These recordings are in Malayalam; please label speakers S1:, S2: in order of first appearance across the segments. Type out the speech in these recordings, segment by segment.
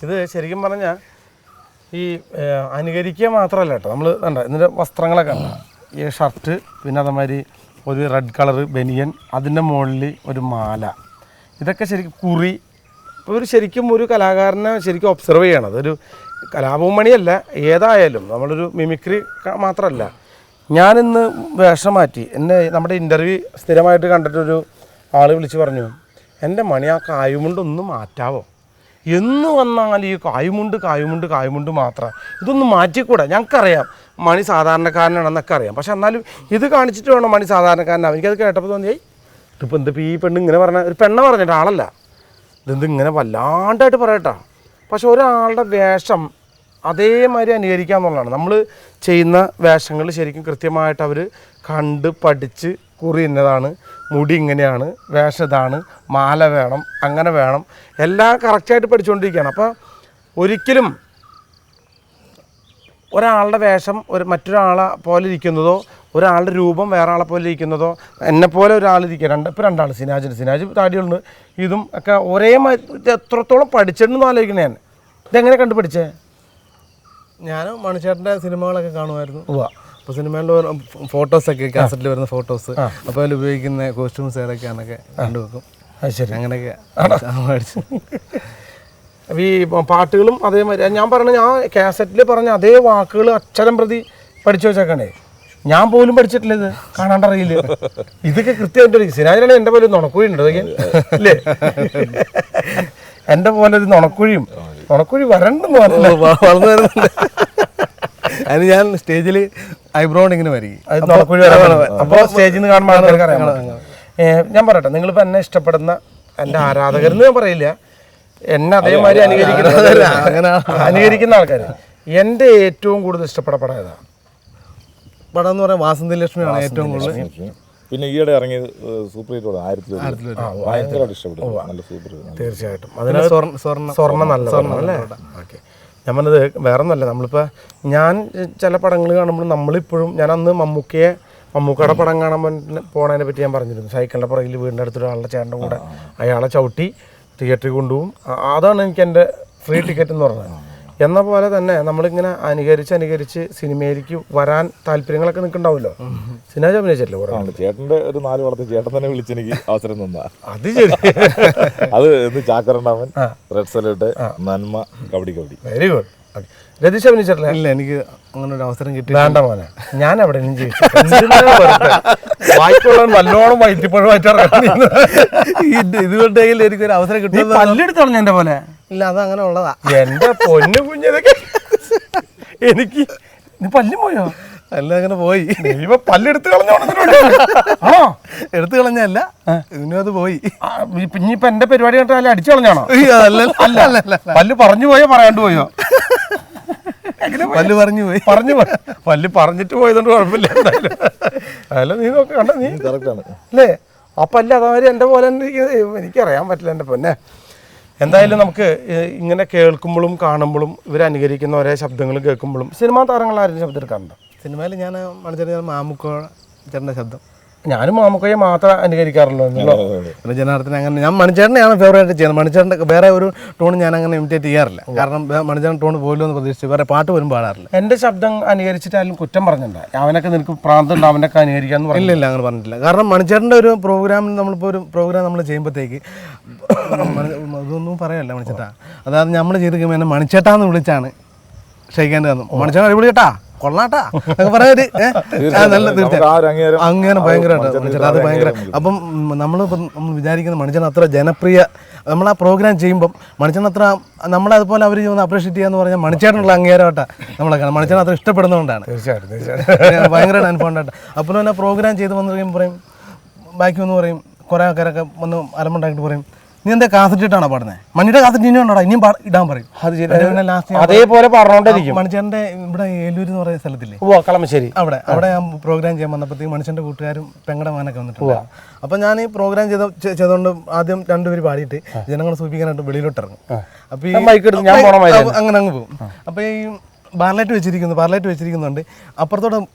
S1: ഇത് ശരിക്കും പറഞ്ഞാൽ ഈ അനുകരിക്കുക മാത്രമല്ല കേട്ടോ. നമ്മൾ കണ്ട ഇതിൻ്റെ വസ്ത്രങ്ങളൊക്കെ കണ്ട, ഈ ഷർട്ട്, പിന്നെ അതേമാതിരി ഒരു റെഡ് കളറ് ബനിയൻ, അതിൻ്റെ മുകളിൽ ഒരു മാല, ഇതൊക്കെ ശരിക്കും കുറി. ഇപ്പോൾ ഒരു ശരിക്കും ഒരു കലാകാരനെ ശരിക്കും ഒബ്സർവ് ചെയ്യണം. അതൊരു കലാഭവമണിയല്ല, ഏതായാലും നമ്മളൊരു മിമിക്രി മാത്രമല്ല. ഞാനിന്ന് വേഷം മാറ്റി. എന്നെ നമ്മുടെ ഇൻ്റർവ്യൂ സ്ഥിരമായിട്ട് കണ്ടിട്ടൊരു ആൾ വിളിച്ച് പറഞ്ഞു, എൻ്റെ മണി ആ കായുമുണ്ടൊന്ന് മാറ്റാവോ? എന്ന് വന്നാൽ ഈ കായുമുണ്ട് മാത്രം, ഇതൊന്നും മാറ്റിക്കൂടാ. ഞങ്ങൾക്കറിയാം മണി സാധാരണക്കാരനാണെന്നൊക്കെ അറിയാം, പക്ഷെ എന്നാലും ഇത് കാണിച്ചിട്ട് വേണം മണി സാധാരണക്കാരനാണ്. എനിക്കത് കേട്ടപ്പോൾ തോന്നിയായി ഇതിപ്പോൾ എന്തിപ്പോൾ ഈ പെണ്ണ് ഇങ്ങനെ പറഞ്ഞ, ഒരു പെണ്ണ പറഞ്ഞിട്ട് ആളല്ല, ഇതെന്ത് ഇങ്ങനെ വല്ലാണ്ടായിട്ട് പറയട്ടാ. പക്ഷെ ഒരാളുടെ വേഷം അതേമാതിരി അനുകരിക്കുക എന്നുള്ളതാണ്. നമ്മൾ ചെയ്യുന്ന വേഷങ്ങൾ ശരിക്കും കൃത്യമായിട്ട് അവർ കണ്ട് പഠിച്ച്, കുറി ഇന്നതാണ്, മുടി ഇങ്ങനെയാണ്, വേഷം ഇതാണ്, മാല വേണം, അങ്ങനെ വേണം, എല്ലാം കറക്റ്റായിട്ട് പഠിച്ചുകൊണ്ടിരിക്കുകയാണ്. അപ്പോൾ ഒരിക്കലും ഒരാളുടെ വേഷം മറ്റൊരാളെ പോലെ ഇരിക്കുന്നതോ, ഒരാളുടെ രൂപം വേറെ ആളെ പോലെ ഇരിക്കുന്നതോ, എന്നെപ്പോലെ ഒരാളിരിക്കുക, ഇപ്പോൾ രണ്ടാൾ, സിനാജ് താടിയുണ്ട്, ഇതും ഒക്കെ ഒരേ എത്രത്തോളം പഠിച്ചിട്ടുണ്ടെന്ന് ആലോചിക്കണേ. ഞാൻ ഇതെങ്ങനെ കണ്ടുപിടിച്ചേ?
S2: ഞാൻ മണിച്ചേട്ടൻ്റെ സിനിമകളൊക്കെ കാണുമായിരുന്നു. അപ്പോൾ സിനിമയിലെ ഫോട്ടോസൊക്കെ കാസറ്റിൽ വരുന്ന ഫോട്ടോസ്, അപ്പോൾ അതിൽ ഉപയോഗിക്കുന്ന കോസ്റ്റ്യൂംസ് ഏതൊക്കെയാണെന്നൊക്കെ കണ്ടുവെക്കും.
S1: അത് ശരി,
S2: അങ്ങനെയൊക്കെ
S1: ഈ പാട്ടുകളും അതേമാതിരി ഞാൻ പറഞ്ഞ, ഞാൻ കാസറ്റിൽ പറഞ്ഞ അതേ വാക്കുകൾ അക്ഷരം പ്രതി പഠിച്ചു വെച്ചേക്കണേ. ഞാൻ പോലും പഠിച്ചിട്ടില്ല, ഇത് കാണാണ്ടറിയില്ല. ഇതൊക്കെ കൃത്യമായിട്ട് സിനാജിനാണ് എൻ്റെ പോലെ നുണക്കുഴി ഉണ്ട്, അതൊക്കെ അല്ലേ? എൻ്റെ പോലെ ഒരു നുണക്കുഴി വരണ്ടെന്ന് വളർന്നു
S2: വരുന്നുണ്ട്. അതിന് ഞാൻ സ്റ്റേജിൽ ഐബ്രോ ഇങ്ങനെ വരികയും
S1: നുണക്കുഴി അപ്പോൾ സ്റ്റേജിൽ നിന്ന് കാണുമ്പോൾ ആൾക്കാർക്ക് അറിയാം. ഞാൻ പറയട്ടെ, നിങ്ങളിപ്പോൾ എന്നെ ഇഷ്ടപ്പെടുന്ന എൻ്റെ ആരാധകരെന്ന് ഞാൻ പറയില്ല, എന്നെ അതേമാതിരി അനുകരിക്കുന്ന ആൾക്കാർ, എൻ്റെ ഏറ്റവും കൂടുതൽ ഇഷ്ടപ്പെടപ്പെടാൻ ഏതാണ്
S2: പടം എന്ന് പറയാൻ വാസന്തി ലക്ഷ്മിയാണ് ഏറ്റവും കൂടുതൽ.
S3: പിന്നെ ഈയിടെ ഇറങ്ങിയത് സൂപ്പർ ഹിറ്റ് ഭയങ്കരമായിട്ട് ഇഷ്ടപ്പെട്ടു. നല്ല സൂപ്പർ.
S1: തീർച്ചയായിട്ടും അതിന് സ്വർണ്ണം നല്ല അല്ലേ? ഓക്കെ, ഞാൻ പറഞ്ഞത് വേറെ ഒന്നല്ല. നമ്മളിപ്പോൾ ഞാൻ ചില പടങ്ങൾ കാണുമ്പോൾ നമ്മളിപ്പോഴും, ഞാൻ അന്ന് മമ്മൂക്കയുടെ പടം കാണാൻ പോണതിനെ പറ്റി ഞാൻ പറഞ്ഞിരുന്നു. സൈക്കിളിൻ്റെ പുറകിൽ വീടിൻ്റെ അടുത്തൊരാളുടെ ചേട്ടൻ്റെ കൂടെ അയാളെ ചവിട്ടി തിയേറ്ററിൽ കൊണ്ടുപോകും. അതാണ് എനിക്ക് എൻ്റെ ഫ്രീ ടിക്കറ്റ് എന്ന് പറഞ്ഞത്. എന്ന പോലെ തന്നെ നമ്മളിങ്ങനെ അനുകരിച്ച് സിനിമയിലേക്ക് വരാൻ താല്പര്യങ്ങളൊക്കെ നിൽക്കുന്നുണ്ടാവുമല്ലോ. സിനാജ് അഭിനയിച്ചല്ലേ
S3: ചേട്ടൻ്റെ ഒരു 4 വളർത്തി ചേട്ടൻ തന്നെ വിളിച്ചെനിക്ക് അവസരം തന്നാ.
S1: അത് ശരി.
S3: അത് ചാക്കരണ്ടാമൻ, റെഡ് സല്യൂട്ട്, നന്മ, കബഡി.
S1: Very good. രതീഷ് അഭിനയിച്ചിട്ടില്ല?
S2: ഇല്ല, എനിക്ക് അങ്ങനെ ഒരു അവസരം കിട്ടി.
S1: വേണ്ട മോനെ, ഞാൻ എവിടെ വായിക്കൊള്ളാൻ നല്ലോണം
S2: ഇതുകൊണ്ടെങ്കിൽ എനിക്കൊരു അവസരം കിട്ടും.
S1: പല്ലെടുത്തോളഞ്ഞ എന്റെ പോലെ.
S2: ഇല്ല, അത് അങ്ങനെ ഉള്ളതാ.
S1: എന്റെ പൊന്നു കുഞ്ഞതൊക്കെ എനിക്ക് പല്ലും പോയോ?
S2: എല്ലാം അങ്ങനെ പോയി.
S1: പല്ലെടുത്ത് കളഞ്ഞോ?
S2: എടുത്തു കളഞ്ഞല്ല, ഇന്നും അത് പോയി.
S1: ഇനിയിപ്പൊ എന്റെ പരിപാടി കണ്ടാൽ അടിച്ചു കളഞ്ഞാണോ? അല്ല, പല്ല് പറഞ്ഞു പോയോ പറയാണ്ട് പോയോ?
S2: പല്ല് പറഞ്ഞു പോയി.
S1: പല്ല് പറഞ്ഞിട്ട് പോയതുകൊണ്ട് കുഴപ്പമില്ല. അല്ല, നീ നോക്കി കണ്ട, നീ അല്ലേ ആ പല്ല് അതേമാതിരി എൻ്റെ പോലെ എനിക്കറിയാൻ പറ്റില്ല എൻ്റെ പൊന്നെ. എന്തായാലും നമുക്ക് ഇങ്ങനെ കേൾക്കുമ്പോഴും കാണുമ്പോഴും ഇവർ അനുകരിക്കുന്ന ഒരേ ശബ്ദങ്ങൾ കേൾക്കുമ്പോഴും സിനിമാ താരങ്ങൾ ആരും ശബ്ദം എടുക്കാറുണ്ട്?
S2: സിനിമയിൽ ഞാൻ മണിച്ചേട്ടൻ മാമുക്കോ ചേട്ടൻ്റെ ശബ്ദം,
S1: ഞാനും മാമുക്കയെ മാത്രം അനുകരിക്കാറുള്ളൂ.
S2: പിന്നെ ജനാർദ്ദനെ അങ്ങനെ ഞാൻ മണിച്ചേട്ടനെയാണ് ഫേവറേറ്റ് ചെയ്യുന്നത്. മണിച്ചേട്ടൻ്റെ വേറെ ഒരു ടോൺ ഞാൻ അങ്ങനെ ഇമിറ്റേറ്റ് ചെയ്യാറില്ല. കാരണം മണിച്ചേട്ടൻ ടോൺ പോലും എന്ന് പ്രതീക്ഷിച്ച് വേറെ പാട്ട് പോലും പാടാറില്ല.
S1: എൻ്റെ ശബ്ദം അനുകരിച്ചിട്ടാലും കുറ്റം പറഞ്ഞിട്ടുണ്ടോ? അവനൊക്കെ നിനക്ക് പ്രാന്തമുണ്ട്, അവനൊക്കെ അനുകരിക്കാന്ന് പറഞ്ഞില്ല?
S2: ഇല്ല, അങ്ങനെ പറഞ്ഞിട്ടില്ല. കാരണം മണിച്ചേട്ടൻ്റെ ഒരു പ്രോഗ്രാമിൽ നമ്മളിപ്പോൾ ഒരു പ്രോഗ്രാം നമ്മൾ ചെയ്യുമ്പോഴത്തേക്ക് ഇതൊന്നും പറയല്ല മണിച്ചേട്ടാ. അതായത് നമ്മൾ ചെയ്ത് കഴിയുമ്പോൾ എന്നെ മണിച്ചേട്ടാന്ന് വിളിച്ചാണ് ക്ഷയിക്കേണ്ടി വന്നു. മണിച്ചേട്ടൻ അടിപൊളി ചേട്ടാ, കൊള്ളാട്ടാ എന്നൊക്കെ പറയാറ് നല്ല തീർച്ചയായും അങ്ങനെ ഭയങ്കരമായിട്ട് അത് ഭയങ്കര. അപ്പം നമ്മൾ വിചാരിക്കുന്ന മണിച്ചേട്ടൻ അത്ര ജനപ്രിയ, നമ്മൾ ആ പ്രോഗ്രാം ചെയ്യുമ്പം മണിച്ചേട്ടൻ അത്ര നമ്മളതുപോലെ അവർ അപ്രീഷിയേറ്റ് ചെയ്യാന്ന് പറഞ്ഞാൽ മണിച്ചേട്ടനുള്ള അംഗീകാരമായിട്ടാണ് നമ്മളൊക്കെ മണിച്ചേട്ടൻ അത്ര ഇഷ്ടപ്പെടുന്നതുകൊണ്ടാണ്.
S1: തീർച്ചയായിട്ടും
S2: ഭയങ്കരമായിട്ട് അനുഭവമുണ്ടായിട്ട്. അപ്പോൾ തന്നെ പ്രോഗ്രാം ചെയ്ത് വന്നു കഴിയുമ്പോൾ പറയും, ബാക്കി ഒന്ന് പറയും, കുറേ ആൾക്കാരൊക്കെ വന്ന് അലമ്പുണ്ടാക്കിയിട്ട് പറയും, നീ എന്താ കാസറ്റ് ഇട്ടാണോ പാടുന്നത്? മണിയുടെ കാസറ്റ് ഇനിയും ഉണ്ടോടാ, ഇനിയും ഇടാൻ പറയും.
S1: അതേപോലെ പറഞ്ഞോണ്ടിരിക്കും.
S2: മണിച്ചേട്ടൻ്റെ ഇവിടെ ഏലൂർ എന്ന് പറയുന്ന സ്ഥലത്തില്ലേ,
S1: കളമശ്ശേരി,
S2: അവിടെ ഞാൻ പ്രോഗ്രാം ചെയ്യാൻ വന്നപ്പോഴത്തേക്ക് മണിച്ചേട്ടൻ്റെ കൂട്ടുകാരും പെങ്ങളുടെ മകനൊക്കെ വന്നിട്ടുണ്ട്. അപ്പം ഞാൻ ഈ പ്രോഗ്രാം ചെയ്തുകൊണ്ട് ആദ്യം 2 പേര് പാടിയിട്ട് ജനങ്ങളെ സൂചിപ്പിക്കാനായിട്ട് വെളിയിലോട്ട് ഇറങ്ങും. അപ്പോൾ ഈ അങ്ങനെ അങ്ങ് പോകും. അപ്പോൾ ഈ പാർലൈറ്റ് വെച്ചിരിക്കുന്നുണ്ട്. അപ്പുറത്തോടെ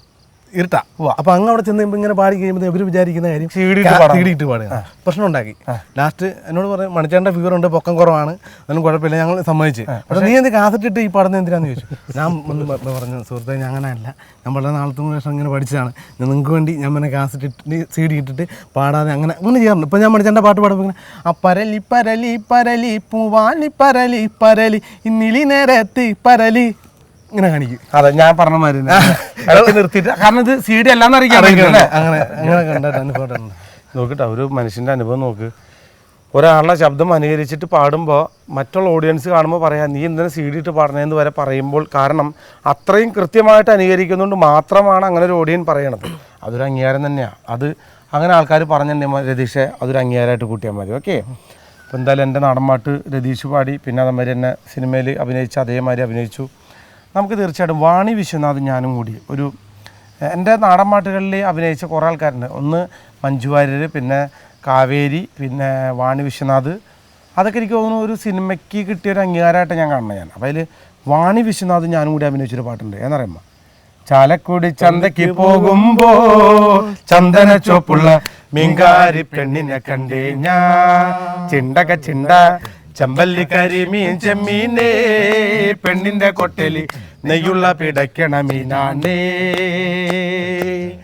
S2: ഇരുട്ടാ. അപ്പൊ അങ്ങ് അവിടെ ചെന്ന് ഇങ്ങനെ പാടി കഴിയുമ്പോൾ ഇവർ വിചാരിക്കുന്ന കാര്യം സീഡിയിട്ട് പാടുക. പ്രശ്നം ഉണ്ടാക്കി. ലാസ്റ്റ് എന്നോട് പറയും മണിച്ചേട്ടൻ്റെ ഫീവർ ഉണ്ട്, പൊക്കം കുറവാണ്, അതൊന്നും കുഴപ്പമില്ല, ഞങ്ങൾ സമ്മതിച്ച്. പക്ഷേ നീ എന്ത് കാസറ്റ് ഇട്ട് ഈ പാടുന്നത് എന്തിനാന്ന് ചോദിച്ചു. ഞാൻ ഒന്ന് പറഞ്ഞു, സുഹൃത്തെ ഞാൻ അങ്ങനെയല്ല, ഞാൻ വളരെ നാളത്തെ ശേഷം ഇങ്ങനെ പഠിച്ചതാണ്, നിങ്ങൾക്ക് വേണ്ടി ഞാൻ പിന്നെ കാസറ്റ് ഇട്ട് CD ഇട്ടിട്ട് പാടാതെ അങ്ങനെ ചെയ്യാറുണ്ട്. ഇപ്പം ഞാൻ മണിച്ചേട്ടൻ്റെ പാട്ട് പാടുമ്പോൾ ഇങ്ങനെ ആ പരലി പരലി പരലി പൂവാലി പരലി പരലി ഇന്നിലി നേരത്തി പരലി ഇങ്ങനെ കാണിക്കും.
S1: അതെ, ഞാൻ പറഞ്ഞ മാതിരി നിർത്തിയിട്ട്, കാരണം ഇത് CD അല്ലാന്ന് അറിയിക്കാൻ
S2: അങ്ങനെ അങ്ങനെ കണ്ടിട്ട് അനുഭവം
S1: നോക്കിട്ടോ. ഒരു മനുഷ്യൻ്റെ അനുഭവം നോക്ക്. ഒരാളുടെ ശബ്ദം അനുകരിച്ചിട്ട് പാടുമ്പോൾ മറ്റുള്ള ഓഡിയൻസ് കാണുമ്പോൾ പറയാം നീ എന്തിനാ CD ഇട്ട് പാടണേന്ന് വരെ പറയുമ്പോൾ, കാരണം അത്രയും കൃത്യമായിട്ട് അനുകരിക്കുന്നതുകൊണ്ട് മാത്രമാണ് അങ്ങനെ ഒരു ഓഡിയൻ പറയണത്. അതൊരു അംഗീകാരം തന്നെയാണ്. അത് അങ്ങനെ ആൾക്കാർ പറഞ്ഞിട്ടുണ്ടെങ്കിൽ രതീഷെ അതൊരു അംഗീകാരമായിട്ട് കൂട്ടിയാൽ മതി. ഓക്കെ. അപ്പോൾ എന്തായാലും എൻ്റെ നാടൻപാട്ട് രതീഷ് പാടി, പിന്നെ അതേമാതിരി എന്നെ സിനിമയിൽ അഭിനയിച്ച് അതേമാതിരി അഭിനയിച്ചു. നമുക്ക് തീർച്ചയായിട്ടും വാണി വിശ്വനാഥ് ഞാനും കൂടി ഒരു എൻ്റെ നാടൻപാട്ടുകളിൽ അഭിനയിച്ച കുറേ ആൾക്കാരുണ്ട്. ഒന്ന് മഞ്ജു വാര്യർ, പിന്നെ കാവേരി, പിന്നെ വാണി വിശ്വനാഥ്. അതൊക്കെ എനിക്ക് തോന്നുന്നു ഒരു സിനിമയ്ക്ക് കിട്ടിയൊരു അംഗീകാരമായിട്ട് ഞാൻ കാണുന്നത് ഞാൻ. അപ്പോൾ അതിൽ വാണി വിശ്വനാഥ് ഞാനും കൂടി അഭിനയിച്ചൊരു പാട്ടുണ്ട്. എന്നറിയുമ്പോൾ ചാലക്കുടി ചന്തയ്ക്ക് പോകുമ്പോ ചന്ദന ചോപ്പുള്ള മീൻകാരി പെണ്ണിനെ കണ്ടേ ഞാൻ, ചിണ്ടക ചിണ്ട ചെമ്പല്ലിക്കരി മീൻ ചെമ്മീനേ, പെണ്ണിന്റെ കൊട്ടലി നെയ്യുള്ള പിടയ്ക്കണ മീനാണേ.